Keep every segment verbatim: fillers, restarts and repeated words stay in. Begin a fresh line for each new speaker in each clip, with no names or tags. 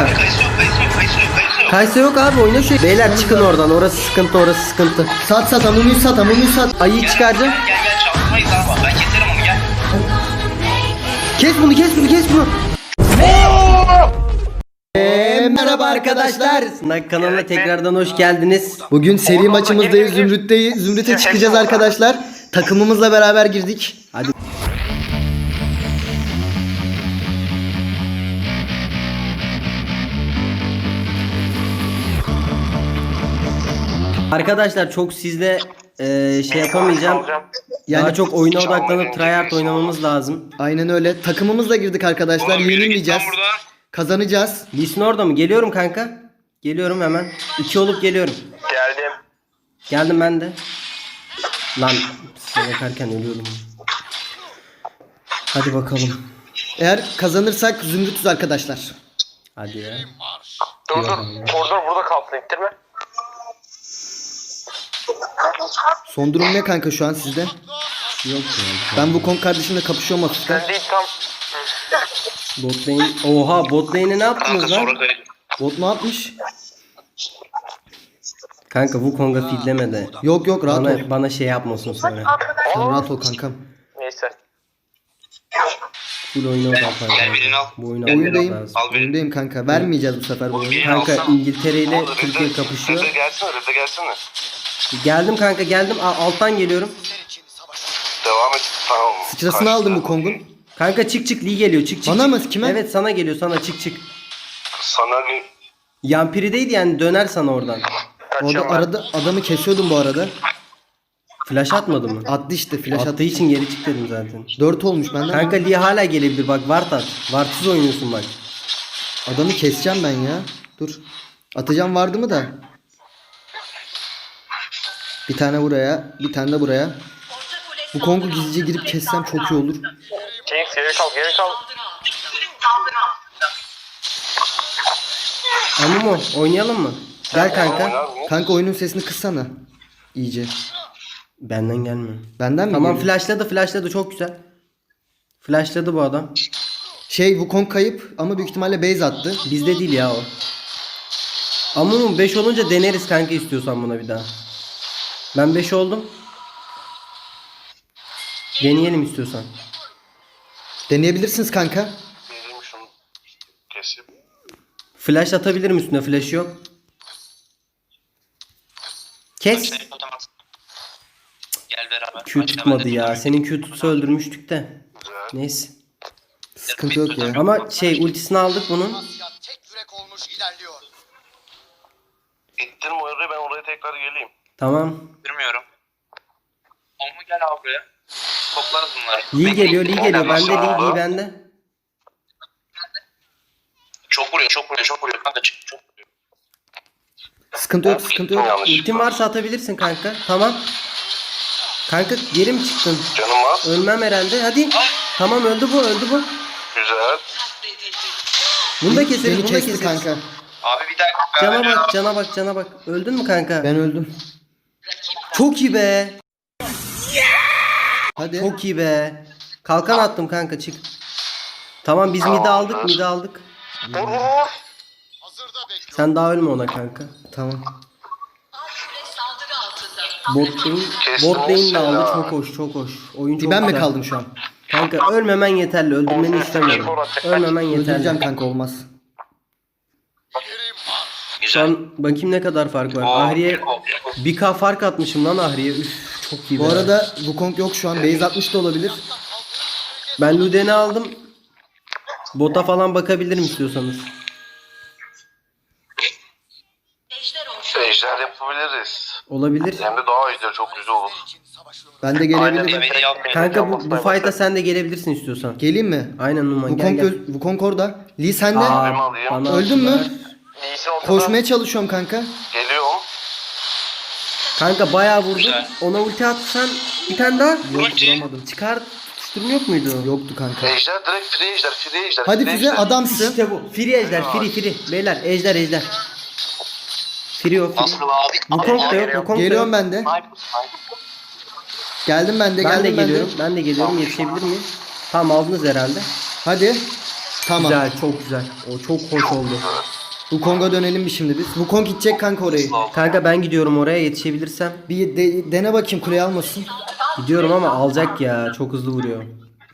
kanka. Kaysa yok abi, oyna şu. Beyler çıkın oradan, orası sıkıntı, orası sıkıntı.
Sat sat Amumu'yu sat Amumu'yu sat.
Ayıyı çıkaracağım.
Gel gel çarpmayız abi. Ben keserim onu gel.
Kes bunu, kes bunu, kes bunu.
Eee merhaba arkadaşlar.
Sınak kanalına tekrardan hoş geldiniz.
Bugün seri maçımızdayız. Zümrüt'teyiz. Zümrüt'e çıkacağız arkadaşlar. Takımımızla beraber girdik.
Hadi. Arkadaşlar çok sizle e, şey yapamayacağım.
Yani
Daha çok oyuna odaklanıp tryhard oynamamız lazım.
aynen öyle. Takımımızla girdik arkadaşlar. Yenilmeyeceğiz. Kazanacağız.
Lee Sin orada mı? Geliyorum kanka. Geliyorum hemen. İki olup geliyorum.
Geldim.
Geldim ben de. Lan size bakarken ölüyorum. Hadi bakalım.
Eğer kazanırsak Zümrüt'üz arkadaşlar.
Hadi ya.
Dur dur. Koridor burada kalsın. İttirme.
Son durum ne kanka şu an sizde?
Yok ya.
Ben bu kon kardeşimle kapışıyorum hafiften.
Sen değil tam.
Bot lane. Oha, bot lane'e ne yaptınız lan?
Bot ne yapmış?
Kanka Wukong'a feedleme de.
Yok yok rahat ol.
Bana, bana şey yapmasın sonra.
Sen rahat ol kankam.
Neyse.
Full oyuna odaklan.
Gel birini al.
Bu oyunu
Oyundayım.
almamız lazım.
Al beni.
Oyundayım kanka. Vermeyeceğiz bu sefer bu oyunu.
Kanka İngiltere ile Türkiye
Rıza
kapışıyor.
gelsene, Rıza gelsene.
Geldim kanka, geldim. A- alttan geliyorum.
Devam et. Tamam.
Sıçrasını aldım bu Kong'un.
Kanka çık çık, Lee geliyor, çık çık.
Bana
çık.
mı? Kime?
Evet sana geliyor, sana çık çık.
Sana bir
Yampirideydi yani, döner sana oradan.
Orada arada adamı kesiyordum bu arada.
Flash atmadı mı?
Attı işte flash
Attığı
attı.
için geri çık dedim zaten.
dört olmuş benden.
Kanka Lee hala gelebilir, bak Ward at. Ward'sız oynuyorsun bak.
Adamı keseceğim ben ya. Dur. Atacağım vardı mı da. Bir tane buraya, bir tane de buraya. Bu Kong'u gizlice girip kessem çok iyi olur.
Jinx geri kal, geri kal.
Amumu oynayalım mı? Gel kanka.
Oynar mı?
Kanka oyunun sesini kıssana. İyice.
Benden gelmiyor.
Benden mi
Tamam,
geliyor?
flashladı flashladı, çok güzel. Flashladı bu adam.
Şey bu Kong kayıp ama büyük ihtimalle base attı.
Bizde değil ya o. Amumu beş olunca deneriz kanka, istiyorsan buna bir daha. Ben beş oldum. Deneyelim istiyorsan.
Deneyebilirsiniz kanka.
Vereyim şunu. Kesip.
Flash atabilirim üstüne, flash yok. Kes.
Gel beraber.
Q tutmadı ya. Senin Q tutsa öldürmüştük de. Neyse.
Sıkıntı yok ya.
Ama şey, ultisini aldık bunun.
Tek yürek olmuş ilerliyor.
İttirme oraya, ben oraya tekrar geleyim.
Tamam.
Bilmiyorum. Onu gel abi buraya. Toplarız bunları.
Lee geliyor, Lee geliyor. Bende Lee, Lee bende.
Çok vuruyor, çok vuruyor, çok vuruyor. Kanka çık, çok vuruyor.
Sıkıntı yok, sıkıntı yok.
Yanlış.
Ultin varsa atabilirsin kanka. Tamam. Kanka geri mi çıktın?
Canım var.
Ölmem herhalde. Hadi. Tamam, öldü bu, öldü bu.
Güzel.
Bunu da keseriz,
Beni
bunu da
kesti
keseriz.
kanka.
Abi bir dakika.
Cana bak, cana bak, cana bak. Öldün mü kanka?
Ben öldüm.
Çok iyi be.
Hadi.
Çok iyi be. Kalkan attım kanka, çık. Tamam, biz midi aldık, midi aldık.
Vur vur vur.
Hazırda bekliyor.
Sen daha ölme ona kanka.
Tamam.
Bot lane,
Kestim
bot lane de
seni
aldı,
ha.
çok hoş, çok hoş. Oyun çok
Ben mi
güzel.
kaldım şu an?
Kanka ölmemen yeterli, öldürmeni istemiyorum. Ölmemen
Öldüreceğim
yeterli.
kanka olmaz.
Şu an bakayım ne kadar fark var. Ahriye bir K fark atmışım lan Ahriye. Üf, çok iyi
Bu
be.
arada bu Kong yok şu an. Base atmış da olabilir.
Ben Luden'i aldım. Bota falan bakabilirim istiyorsanız.
Ejder yapabiliriz.
Olabilir.
Hem de daha ejder çok güzel olur.
Ben de gelebilirim.
Kanka bu, bu fight'a sen de gelebilirsin istiyorsan.
Geleyim mi?
Aynen Numan,
Bu
gel
Kong,
gel.
öl- bu Kong orada. Lee sende.
Aa,
alayım.
bana
Öldün mü?
attılar.
İyisin ortada.
Koşmaya çalışıyorum kanka.
Geliyorum.
Kanka bayağı vurdum. Ona ulti atsan bir tane daha. Yok,
Ulti.
vuramadım. Çıkar tutuşturum yok muydu?
Yoktu kanka.
Ejder direkt free ejder, free ejder.
Hadi
free
Füze
ejder.
adamsın.
İşte bu. Free ejder, free free. Beyler ejder ejder. Free o, free.
Nasıl abi?
Wukong da yok, Wukong da
Geliyorum
yok.
ben de. Geldim ben de
Ben de
geldim ben de.
geliyorum, ben de geliyorum. Yetişebilir miyim? Tamam, aldınız herhalde.
Hadi. Tamam.
Güzel, çok güzel. O çok hoş oldu.
Wukong'a dönelim bir şimdi biz. Wukong gidecek kanka orayı.
Kanka ben gidiyorum oraya yetişebilirsem.
Bir de- dene bakayım kuleyi almasın.
Gidiyorum ama alacak ya. Çok hızlı vuruyor.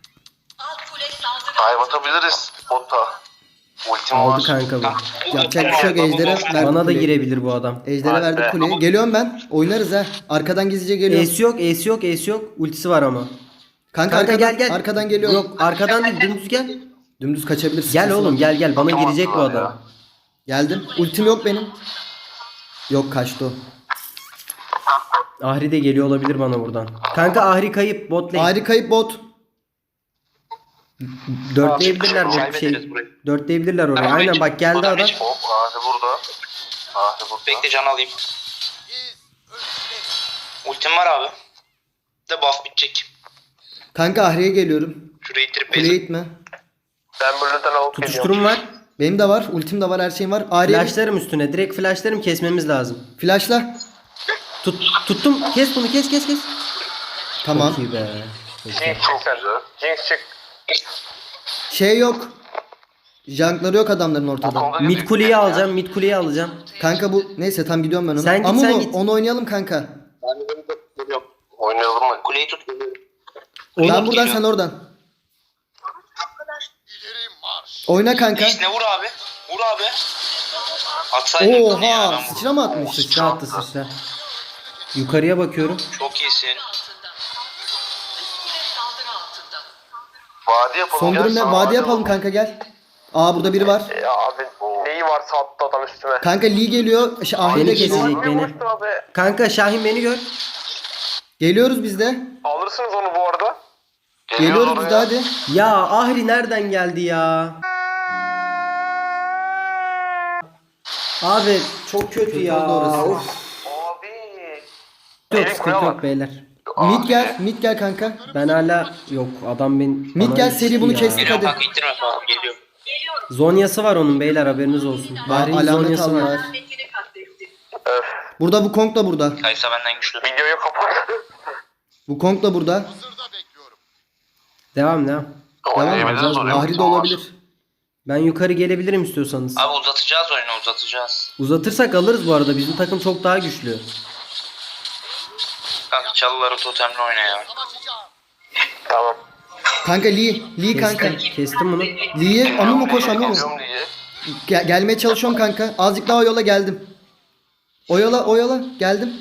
Dive atabiliriz bota. Ultim
Aldı
var.
kanka bu.
Yapacak bir şey yok. Ejder'e verdik
Bana da
kuleyi.
girebilir bu adam.
Ejder'e
Hadi
verdik
be.
kuleyi. Geliyorum ben. Oynarız ha. Arkadan gizlice geliyorum.
Ace yok, ace yok, ace yok. Ultisi var ama.
Kanka,
Kanka
arkadan,
gel gel.
arkadan geliyorum.
Yok arkadan değil, dümdüz gel.
Dümdüz kaçabilirsin.
Gel oğlum gel gel. Bana
Tamam,
girecek bu
tamam
adam.
ya.
Geldim. Ultim yok benim. Yok kaçtı o.
Ahri de geliyor olabilir bana buradan. Kanka Ahri kayıp bot lane.
Ahri kayıp bot.
Dörtleyebilirler bu
Kaybederiz
şey.
burayı.
Dörtleyebilirler oraya.
Ben
Aynen
burayı-
bak geldi
Buradan
adam.
geç.
Hop Ahri burada. Ahri burada.
Bekle can alayım.
İz ölçüde.
Ultim var abi. Bir de buff bitecek.
Kanka Ahri'ye geliyorum.
Şurayı ittirip
Kuleye
bezim.
itme.
Ben bölümden alıp geliyorum.
Tutuşturum var.
Benim de var. Ultim de var. Her şeyim var. Ahri'ye
Flashlarım üstüne. Direkt flashlarım kesmemiz lazım.
flashla.
Tut, tuttum. Kes bunu kes kes kes.
Tamam.
Çok iyi be. Çok iyi.
Jinx çık sen. Jinx çık.
Şey yok. Junkları yok adamların ortada.
Wukong'a
Mid
gidiyor.
kuleyi alacağım. Mid kuleyi alacağım.
Kanka bu neyse tam gidiyorum ben ona.
Sen git,
Ama
sen
onu,
git.
onu oynayalım kanka.
Oynayalım mı?
Kuleyi tut.
Ben buradan
geliyor.
sen oradan.
İleri marş.
Oyna kanka.
Reis ne vur abi? Vur abi. Atsaydın bunu ya, ben
Oha
vurdum.
sıçra mı atmış?
Sıçra attı sıçra. Yukarıya bakıyorum.
Çok iyisin.
Vadi yapalım.
Son
gel,
durum ne?
sana
Vadi yapalım kanka gel. Aa burada biri var.
Ya abi neyi varsa attı adam üstüme.
Kanka Lee geliyor. Şey, Ahri de
Beni
geliyor.
kesecek beni.
abi.
Kanka Şahin beni gör.
Geliyoruz biz de.
Alırsınız onu bu arada.
Geliyoruz biz de hadi.
Ya Ahri nereden geldi ya? Abi çok kötü ya.
oldu orası.
Of.
Abi.
Yok
Benim
sıkıntı
kuleye
yok
bak.
beyler.
Mid gel. Mid gel kanka.
Ben hala yok adam ben
Mid
bana
gel, seri
düştü
bunu
ya.
kestik.
Geliyorum
Hadi.
kanka ittirme falan. Geliyorum.
Zonyası var onun beyler haberiniz olsun.
Aa,
Ahri'nin
alamet
zonyası var.
aldılar. Burada Wukong da burada.
Kaysa benden güçlü.
Videoyu kapat.
Wukong da burada.
Hazırda bekliyorum.
Devam devam.
Oynayabiliriz
alacağız.
oraya.
Ahri de olabilir.
Ben yukarı gelebilirim istiyorsanız.
Abi uzatacağız oyunu uzatacağız.
Uzatırsak alırız bu arada. Bizim takım çok daha güçlü.
Kanka çalıları totemle oyna ya.
Savaşacağım.
Tamam.
Kanka Lee. Lee kanka.
Kestim, kestim bunu.
Lee'ye amu mu koş amu mu?
Alıyorum diye.
Gel- gelmeye çalışıyorum kanka. Azıcık daha o yola geldim. O yola o yola geldim.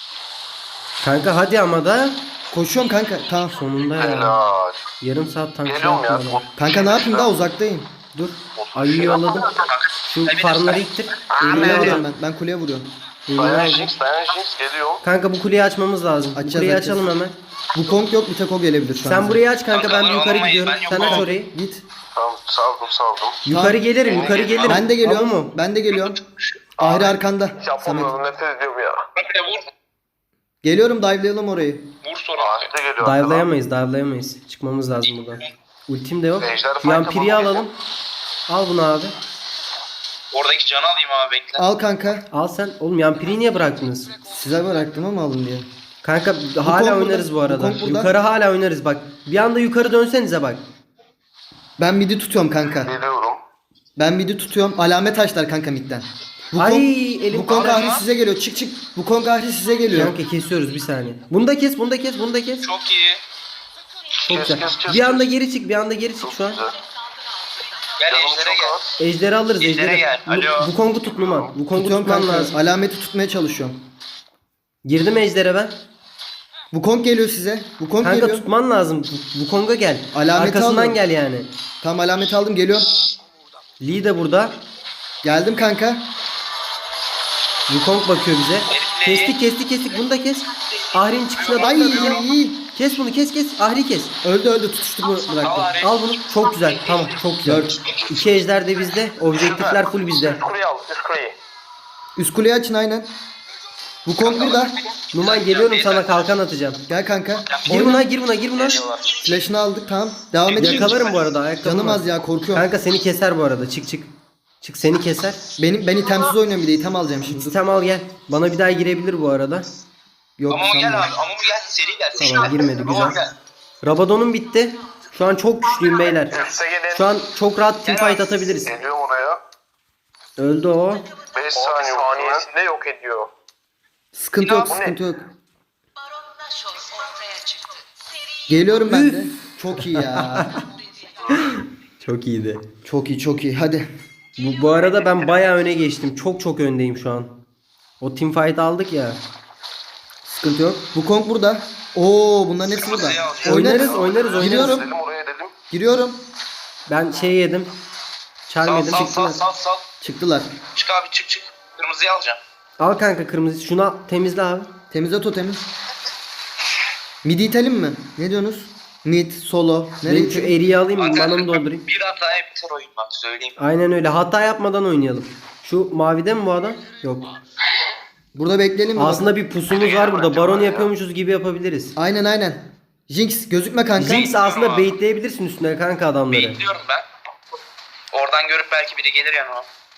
Kanka hadi ama da
Koşuyorum kanka. Tamam.
sonunda ya.
Helal.
Yarım saat tank
Geliyorum ya.
yaptım ona.
Kanka ne yapayım daha uzaktayım.
Dur. Ayıyı yolladım. Şu farmları ittir. Eline
Kuleye vuruyorum
alacağım.
ben. Ben kuleye vuruyorum.
Eline
Dayan
alacağım.
Jinx, dayan Jinx geliyorum.
Kanka bu kuleyi açmamız lazım. Bu
Açacağız,
kuleyi
açacağız.
açalım hemen.
Wukong yok bir tek o gelebilir şu an.
Sen burayı aç kanka
Kanka,
ben bir yukarı
alamayız,
gidiyorum.
ben
Sen aç
yokum.
orayı.
Git.
Tamam saldım saldım.
Yukarı gelirim yukarı gelirim.
Ben de geliyorum.
Tamam mı?
Ben de geliyorum. Ahri arkanda.
Hiç
Samet.
yapamıyorum nefret ediyorum ya.
Kanka vur.
Geliyorum dive'layalım orayı.
Vur sonra.
Ahri de geliyor.
Dive'layamayız dive'layamayız. Çıkmamız lazım buradan. Ultim de yok.
Ejder
Şu an
fight
piri
yapalım.
alalım. Al bunu abi.
Oradaki canı alayım abi bekle.
Al kanka.
Al sen. Oğlum yan piriyi niye bıraktınız?
Size bıraktım ama alın diye.
Kanka hala
burada,
oynarız bu arada.
Wukong burada.
Yukarı hala oynarız bak. Bir anda yukarı dönsenize bak.
Ben midi tutuyorum kanka.
Geliyorum.
Ben midi tutuyorum. Alamet açlar kanka midden.
Ay elim
Wukong
ağrıyor.
Ahri size geliyor. Çık çık. Wukong Ahri size geliyor.
Kanka kesiyoruz bir saniye. Bunu da kes, bunu da kes, bunu da kes.
Çok iyi.
Çok
Kes,
güzel.
kes, kes,
Bir anda
kes.
geri çık, bir anda geri çık şu an.
Güzel.
Gel
Canım
ejdere
çok
gel.
az.
Ejderi alırız,
Ejdere
ejderi.
gel, alo.
Bu, bu kongu tut Numan. Bu kongu
Tutuyorum
tutman
kanka.
lazım.
Alameti tutmaya çalışıyorum.
Girdim ejdere ben.
Wukong geliyor size. Wukong
Kanka
geliyor.
tutman lazım. Bu, bu konga gel.
Alameti
Arkasından
alıyorum.
gel yani.
Tamam alameti aldım geliyorum.
Lee de burada.
Geldim kanka.
Wukong bakıyor bize.
Herifle-
Kestik kestik kestik bunu da kes. Ahri'nin çıkışına
Ay
bak.
iyi.
Kes bunu kes kes. Ahri kes.
Öldü öldü tutuştu bu
Al
bıraktı.
Ahri.
Al bunu. Çok güzel. Tamam çok güzel.
Dört.
İki ejder de bizde. Objektifler full bizde.
Üst kuleyi al üst kuleyi.
Üst kuleyi açın aynen. Wukong burada.
Numan geliyorum sana kalkan atacağım.
Gel kanka.
Gir buna gir buna gir buna.
Flash'ını aldık tamam. Devam edin.
Yakalarım bu arada ayakkabı.
Canım
var.
az ya korkuyorum.
Kanka seni keser bu arada. Çık çık. Çık seni keser.
Benim ben itemsiz oynuyorum bir de item alacağım şimdi. Dur.
Sistem al gel. Bana bir daha girebilir bu arada.
Yok
Amumu gel
sanmıyorum.
abi. Amumu gel. Seri gel. Seri
Tamam,
gel.
girmedi,
Amumu
güzel.
gel.
Rabadon'un bitti. Şu an çok güçlüyüm beyler.
Üste gelin.
Şu an çok rahat teamfight atabiliriz.
Geliyorum oraya.
Öldü o.
beş saniye saniyesinde yok ediyor.
Sıkıntı yok,
Bu ne?
sıkıntı yok.
Baron Nashor ortaya çıktı. Seri
Geliyorum ben de. Çok iyi ya.
Çok iyiydi.
Çok iyi, çok iyi. Hadi.
Bu, bu arada ben bayağı öne geçtim. Çok çok öndeyim şu an. O teamfight aldık ya.
Sıkıntı yok. Bu Kong burada. Oo, bunların hepsi burada.
Oynarız, oynarız, oynarız.
Giriyorum.
Dedim oraya dedim.
Giriyorum.
Ben şey yedim. Charm
Sal
yedim.
sal sal
Çıktılar.
sal sal.
Çıktılar.
Çık abi çık çık. Kırmızıyı alacağım.
Al kanka kırmızı. Şuna temizle abi.
Temizle totemi. Mid itelim mi? Ne diyorsunuz? Mid, solo. Nereye
Ben şu
itelim?
eriği alayım mı?
Kanka,
Bana mı doldurayım?
Bir hataya biter oyun bak söyleyeyim.
Aynen öyle. Hata yapmadan oynayalım. Şu mavide mi bu adam? Yok.
Burada bekleyelim mi?
Aslında bir pusumuz var burada. Baron yapıyormuşuz gibi yapabiliriz.
Aynen aynen. Jinx gözükme kanka.
Jinx aslında baitleyebilirsin üstüne kanka adamları.
Bekliyorum ben. Oradan görüp belki biri gelir yanıma.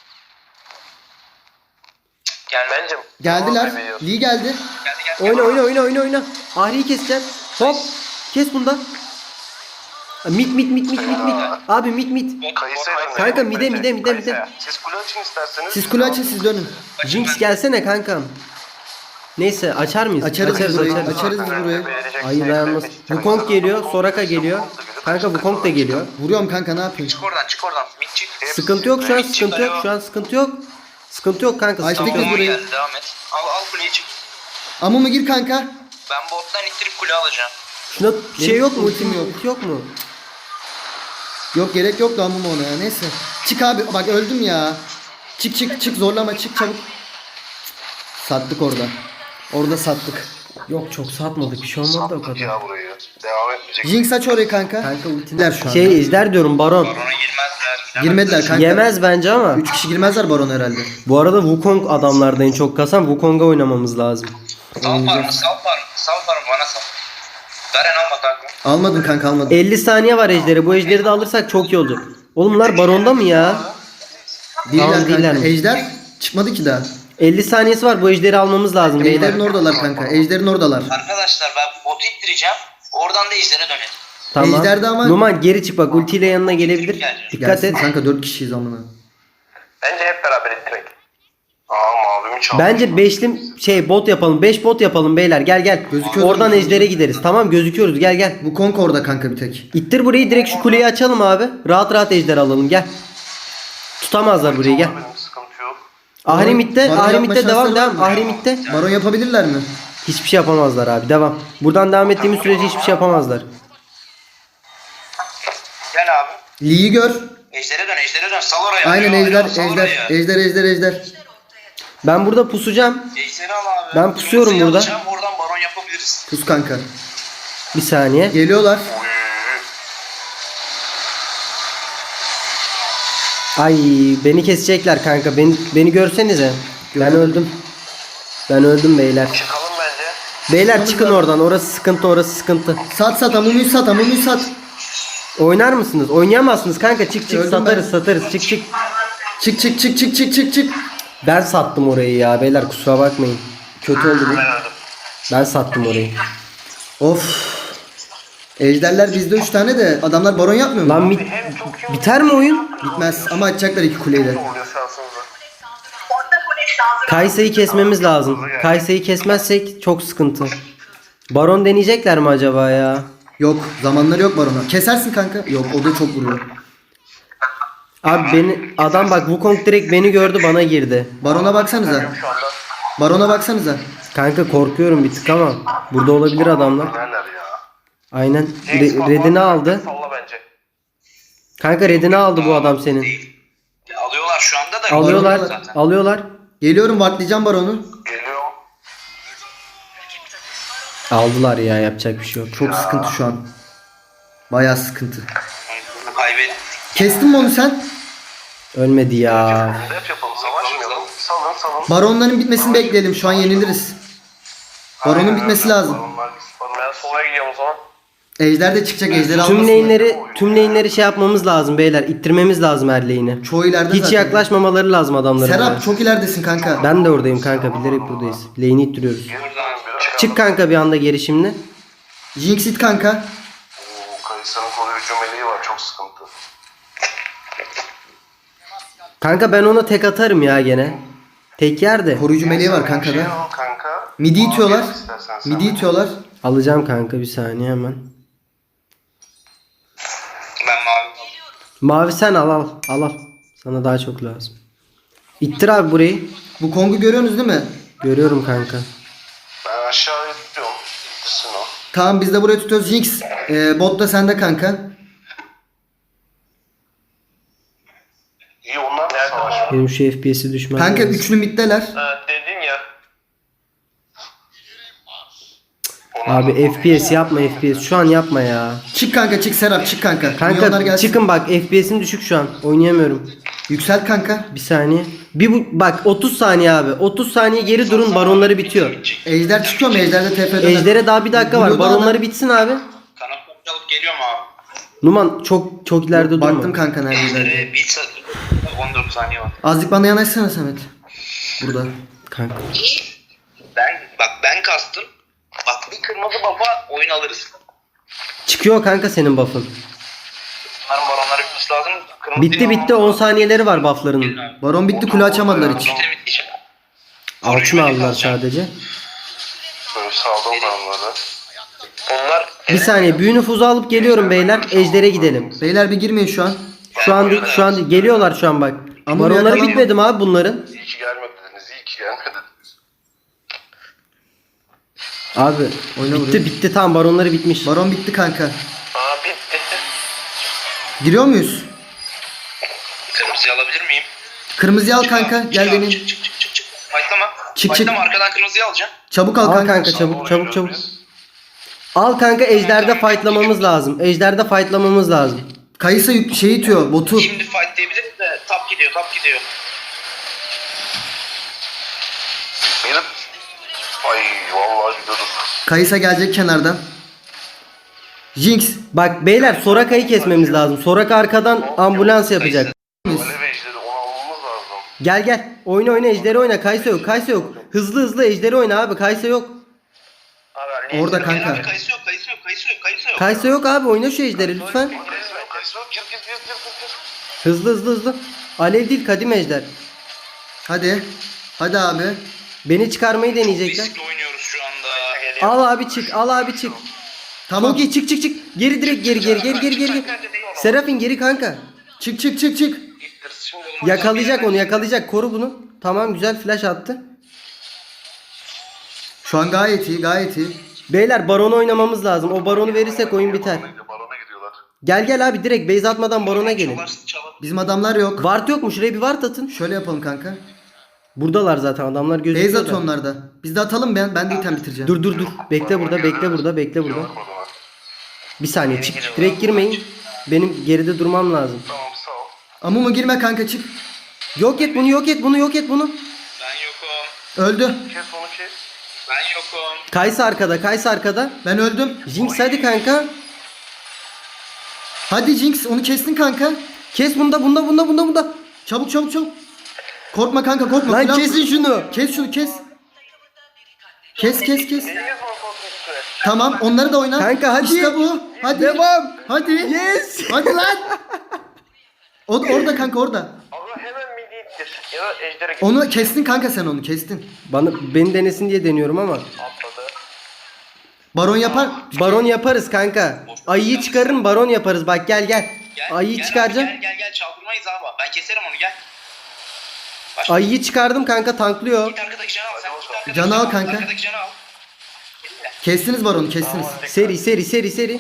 Cık, Gelmedi.
Bence.
Geldiler.
Tamam, bebeğim.
Lee geldi.
Geldi geldi.
Oyna oyna oyna oyna oyna. Ahri'yi keseceğim. Hop. Kes bundan. Mit mit mit mit mit mit. Abi mit mit.
Kayısı elinde.
Kanka mide mide mide
Kayısı.
mide.
Siz kule açın isterseniz.
Siz kule açın, siz dönün.
Jinx gelsene kankam. Neyse açar mıyız?
Açarız biz
açarız
burayı.
açarız.
Açarız biz burayı.
Ayı dayanmaz. Wukong geliyor, Soraka geliyor. Kanka Wukong da geliyor.
Vuruyorum kanka, ne yapayım?
Çık oradan çık oradan. Mid çık.
Sıkıntı yok şu an, sıkıntı yok şu an, sıkıntı yok. Sıkıntı yok kanka,
Açtık
sıkıntı
biz
yok.
Tamam
burayı.
geldi devam et. Al al kuleyi çık.
Amumu gir kanka.
Ben bottan ittirip kule alacağım.
Şuna bir şey
Benim
yok mu?
ultim
Ultim
yok.
yok. Ulti yok mu?
Yok, gerek yok da amumu ona ya. Neyse. Çık abi, bak öldüm ya. Çık çık çık, zorlama, çık çabuk. Sattık orada. Orada sattık.
Yok çok satmadık, bir şey olmadı da o kadar.
Ya burayı. Devam etmeyecek.
Jinx aç orayı kanka.
Kanka ultiler
Gider şu an.
Şey ejder diyorum baron.
Barona girmezler.
Girmediler kanka.
Yemez bence ama.
Üç kişi girmezler baron herhalde.
Bu arada Wukong adamlarda en çok kasan. Wukong'a oynamamız lazım.
Sal parmı sal parmı. Sal parmı bana sal. Garen alma kanka.
Almadım kanka, almadım.
elli saniye var ejderi. Bu ejderi de alırsak çok iyi olacak. Oğlum bunlar baronda mı ya?
Değiller
Tamam,
kanka.
değillermiş.
Ejder çıkmadı ki daha.
elli saniyesi var. Bu ejderi almamız lazım. beyler.
Ejder'in oradalar kanka. Ejder'in oradalar.
Arkadaşlar ben botu ittireceğim. Oradan da izlere dönelim.
Tamam.
Ejder'de ama-
Numan geri çık bak. Ultiyle yanına gelebilir. Dikkat
Gelsin
et.
kanka, dört kişiyiz amına.
Bence hep beraber ettirek. Aa mavimi çaldı.
Bence beşli şey bot yapalım. beş bot yapalım beyler. Gel gel.
Gözüküyoruz
Oradan
mu?
ejdere gideriz. Tamam gözüküyoruz. Gel gel.
Bu Kong orada kanka bir tek.
İttir burayı, direkt şu kuleyi açalım abi. Rahat rahat ejder alalım. Gel. Tutamazlar burayı, gel.
Benim sıkıntı yok.
Ahrimit'te,
Baron
Ahrimit'te
yapma
devam
şansları
devam.
var mı?
Ahrimit'te.
Baron yapabilirler mi?
Hiçbir şey yapamazlar abi. Devam. Buradan devam ettiğimiz sürece hiçbir şey yapamazlar.
Gel abi.
Lee'yi gör.
Ejdere dön ejdere dön. Sal oraya.
Aynen
Oraya,
ejder,
oraya, sal
ejder,
oraya.
ejder, ejder, ejder.
Ben burada pusacağım.
Ejderi al abi.
Ben pusuyorum
Kırmızıyı
burada.
alacağım, oradan baron yapabiliriz.
Pus kanka.
Bir saniye.
Geliyorlar.
Ay beni kesecekler kanka. Beni beni görsenize. Ben öldüm. Ben öldüm beyler.
Çıkalım bence.
Beyler çıkın oradan. Orası sıkıntı, orası sıkıntı.
Sat sat, amumuyu sat, amumuyu sat.
Oynar mısınız? Oynayamazsınız kanka. Çık çık
Öldüm
satarız
ben.
satarız. Çık çık.
Çık çık çık çık çık çık çık.
Ben sattım orayı ya beyler, kusura bakmayın. Kötü oldu bu.
Ben öldüm.
Ben sattım orayı.
Of. Ejderler bizde üç tane de adamlar baron yapmıyor mu?
Lan bit- biter mi oyun?
Bitmez ama açacaklar iki kuleyi de.
Oluyor şansınıza.
Kaysa'yı kesmemiz lazım. Kaysa'yı kesmezsek çok sıkıntı. Baron deneyecekler mi acaba ya?
Yok, zamanları yok barona. Kesersin kanka. Yok, o da çok vuruyor.
Abi beni adam bak Wukong direkt beni gördü, bana girdi.
Barona baksanıza.
Şu anda
Barona baksanıza.
Kanka korkuyorum bir tık ama burada olabilir adamlar.
neler ya.
Aynen.
James
Re-
bak,
redini
bak,
aldı.
Salla bence.
Kanka redini aldı bu adam senin.
Değil. Alıyorlar şu anda da.
Alıyorlar.
Zaten.
Alıyorlar.
Geliyorum, vaklayacağım baronu.
Geliyor.
Aldılar ya, yapacak bir şey yok.
Çok sıkıntı şu an. Bayağı sıkıntı.
Kaybettik.
Kestin mi onu sen?
Ölmedi ya.
Def yapalım, savaşmayalım. Salın salın.
Baronların bitmesini bekleyelim. Şu an yeniliriz. Baronun
Aynen
bitmesi
öyle.
lazım.
Baronlar gitsin. Ben sola gidiyorum o zaman.
Ejder de çıkacak, ejder
Tüm
almasın.
lane'leri tüm lane'leri şey yapmamız lazım beyler. İttirmemiz lazım her lane'i.
Çoğu ileride
Hiç
zaten.
yaklaşmamaları lazım adamların.
Serap
oraya.
çok ileridesin kanka.
Ben de oradayım kanka. Bilerek buradayız. Lane'i ittiriyoruz.
Buradan
Çık kanka bir anda geri şimdi.
Jinx it kanka.
Oo, Kayısı'nın koruyucum
Kanka ben ona tek atarım ya gene. Tek yer de.
Koruyucu meleği var kanka
Şey
da.
al kanka.
Midi itiyorlar.
Al istersen sen.
Midi itiyorlar.
Alacağım kanka bir saniye hemen.
Ben mavi.
Mavi sen al al. Al al. Sana daha çok lazım. İttir abi burayı.
Bu Kong'u görüyorsunuz değil mi?
Görüyorum kanka.
Ben aşağıya tutuyorum. Gitsin o.
Tamam biz de burayı tutuyoruz. Jinx e, bot da sende kanka.
İyi onlar da savaşıyor.
Benim şu F P S'i düşmem
Kanka
lazım.
üçlü middeler.
Ha, dedin ya.
Abi F P S yapma F P S. Şu an yapma ya.
Çık kanka çık Serap çık kanka. Milyonlar
Kanka
gelsin.
çıkın bak F P S'im düşük şu an. Oynayamıyorum.
Yüksel kanka.
Bir saniye. Bir bu bak otuz saniye abi. otuz saniye geri durun baronları bitiyor.
Ejder çıkıyor mu? Ejder'de T P döner.
Ejder'e daha bir dakika var.
Blue'da
Baronları
adam-
bitsin abi.
Kanat alıp geliyor mu abi?
Numan çok çok ileride durma.
Baktım kanka neredeydi.
Ee, bir saat on dört saniye var.
Azıcık bana yanaşsana Samet. Burada.
Kanka.
Ben bak ben kastım. Bak bir kırmızı baba oyun alırız.
Çıkıyor kanka senin buff'ın.
Bunların baronları bitmesi lazım. Kırmızı
Bitti
değil
bitti
ama-
on saniyeleri var buff'larının.
Baron bitti kule açamadılar hiç.
Bitti bitti işte.
Altın aldılar sadece.
Böyle saldım ben onları. Onlar
Bir saniye büyü nüfuzu alıp geliyorum beyler. Ejder'e gidelim.
Beyler bir girmeyin şu an.
Şu an değil, şu an değil. Geliyorlar şu an bak.
Ama
Baronları
yakalanma.
bitmedi mi abi bunların?
iyi ki gelmediniz, iyi ki gelmediniz.
Abi
Oyna
bitti
burayı.
bitti tamam baronları bitmiş.
Baron bitti kanka.
Aa bitti.
Giriyor muyuz?
Kırmızıyı alabilir miyim?
Kırmızıyı al kanka. Gel
Çık abi,
benim.
Çık çık çık çık. çık. Fightlama.
Çık,
Fightlama,
çık.
arkadan kırmızıyı alacağım.
Çabuk al
Al
kanka.
kanka çabuk çabuk çabuk. Al kanka ejderde fightlamamız lazım. Ejderde fightlamamız lazım.
Kayısa yük şey itiyor botu.
Şimdi fight diyebiliriz de tap gidiyor tap gidiyor.
Benim... Ay vallahi gidiyorduk.
Kayısa gelecek kenardan. Jinx.
Bak beyler Soraka'yı kesmemiz lazım. Soraka arkadan ambulans yapacak.
Alev ejderi onu almamız lazım.
Gel gel. Oyna oyna ejderi oyna. Kaysa yok. Kaysa yok. Hızlı hızlı ejderi oyna abi. Kaysa yok.
Abi,
Orada
Gel
kanka.
abi kayısı yok kayısı yok kayısı yok kayısı yok.
Kaysa yok abi. Oyna şu ejderi lütfen.
Kayısı yok, kayısı yok. Gir gir gir gir gir.
Hızlı hızlı hızlı. Alev değil kadim ejder.
Hadi. Hadi abi.
Beni çıkarmayı deneyecekler.
Riskli oynuyoruz şu anda.
Al abi çık. Al abi çık.
Tamam.
Çok iyi çık çık çık. Geri direkt geri geri geri geri geri. Serafin geri kanka.
Çık çık çık çık.
Şimdi
Yakalayacak onu yakalayacak. Koru bunu. Tamam güzel flash attı.
Şu an gayet iyi gayet iyi.
Beyler baronu oynamamız lazım. O baronu verirsek oyun biter.
barona gidiyorlar.
Gel gel abi direkt base atmadan barona gelin.
Çalar çalar.
Bizim adamlar yok.
Ward yok mu? Şuraya bir ward atın.
Şöyle yapalım kanka.
Buradalar zaten adamlar
Base
gözüküyor.
at
da.
onlarda. Biz de atalım ben. Ben de item bitireceğim.
Dur dur dur. Bekle burada bekle burada bekle burada.
O zaman.
Bir saniye çık. Direkt girmeyin. Benim geride durmam lazım.
Tamam sağ ol.
Amumu girme kanka çık.
Yok et bunu yok et bunu yok et bunu.
Ben yokum.
Öldü.
Kes onu kes.
Ben yokum.
Kaysa arkada Kaysa arkada.
Ben öldüm.
Jinx hadi kanka.
Hadi Jinx onu kestin kanka.
Kes bunda bunda bunda bunda bunda.
Çabuk çabuk çabuk. Korkma kanka korkma.
Lan
Plan-
kesin şunu.
Kes şunu kes. Kes kes kes.
Deniz Morfos'un üstüne.
Tamam onları da oyna.
Kanka, hadi.
İşte bu. Hadi.
Devam.
Hadi.
Yes.
Hadi lan. O, orada kanka orada.
Abla hemen midi ittir. Ya da ejdere git.
Onu kestin kanka sen onu kestin.
Bana beni denesin diye deniyorum ama.
Atladı.
Baron yapar.
Baron yaparız kanka. Ayıyı çıkarın baron yaparız. Bak gel gel.
Gel,
Ayıyı
gel abi,
çıkaracağım.
Gel gel gel çaldırmayız abi. Ben keserim onu gel. Başla.
Ayıyı çıkardım kanka tanklıyor.
Git arkadaki canı al. Sen git arkadaki
Canı al kanka.
Arkadaki canı al. Elinle.
Kestiniz baronu kestiniz.
Seri seri seri seri.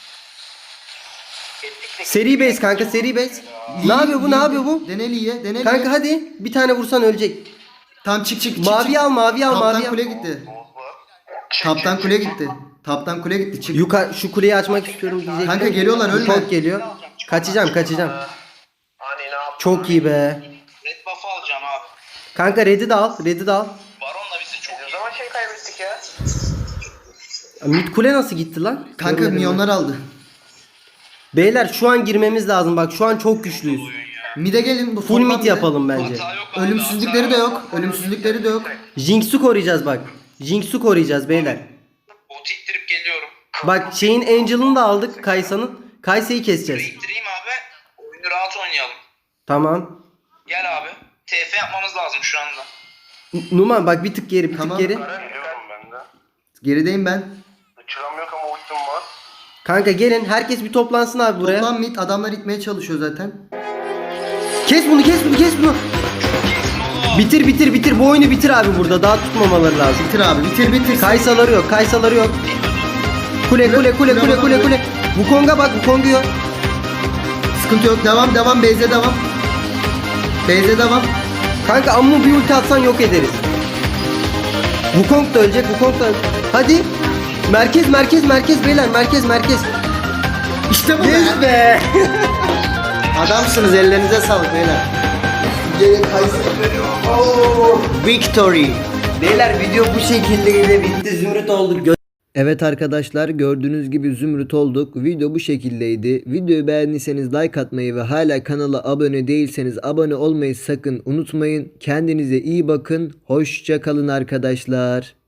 Seri base kanka seri base. Ne yapıyor bu ne yapıyor bu?
Deneli ye deneli
Kanka
ye.
hadi bir tane vursan ölecek.
Tam çık çık çık.
Mavi
çık.
al mavi al
Taptan
mavi al.
kule gitti. Taptan kule gitti. Taptan kule gitti çık.
Yukarı şu kuleyi açmak istiyorum diyecektim.
Kanka geliyorlar, ölme.
Report geliyor. Kaçacağım kaçacağım.
Hani ne yaptın?
Çok iyi be.
Red buff'ı alacağım abi.
Kanka red'i de al red'i de al.
Baron da bizi çok
Ne
iyi.
zaman şey kaybettik ya?
Mid kule nasıl gitti lan?
Kanka
Görmedim ben.
milyonlar aldı.
Beyler şu an girmemiz lazım bak şu an çok güçlüyüz.
Mide gelin bu
Full
format
mid
mide.
yapalım bence.
Hata yok abi,
Ölümsüzlükleri
hata
de yok. Ölümsüzlükleri de yok.
Jinx'u koruyacağız bak. Jinx'u koruyacağız beyler.
Bot ittirip geliyorum.
Bak şeyin Angel'ını da aldık Kaysa'nın. Kaysa'yı keseceğiz.
İttireyim abi. Oyunu rahat oynayalım.
Tamam.
Gel abi. T F yapmamız lazım şu anda.
N- Numan bak bir tık geri bir
Tamam.
tık geri.
Karen diyorum ben de.
Gerideyim ben.
Uçuram yok ama ultim var.
Kanka gelin herkes bir toplansın abi buraya.
Toplam mid adamlar itmeye çalışıyor zaten.
Kes bunu kes bunu kes bunu. Bitir bitir bitir bu oyunu bitir abi burada daha tutmamaları lazım.
Bitir abi bitir bitir.
Kaysaları yok kaysaları yok. Kule kule kule kule kule kule. Bu konga bak bu kongu yok.
Sıkıntı yok. Devam devam. Beyze devam. Beyze devam.
Kanka amma bir ulti atsan yok ederiz. Wukong da ölecek Wukong da hadi. Merkez merkez merkez beyler merkez merkez.
İşte bu
Yes
be.
be.
Adamsınız, ellerinize sağlık beyler. Gelin Kayser. Victory.
Beyler video bu şekilde bitti zümrüt olduk.
Evet arkadaşlar, gördüğünüz gibi zümrüt olduk. Video bu şekildeydi. Videoyu beğendiyseniz like atmayı ve hala kanala abone değilseniz abone olmayı sakın unutmayın. Kendinize iyi bakın. Hoşça kalın arkadaşlar.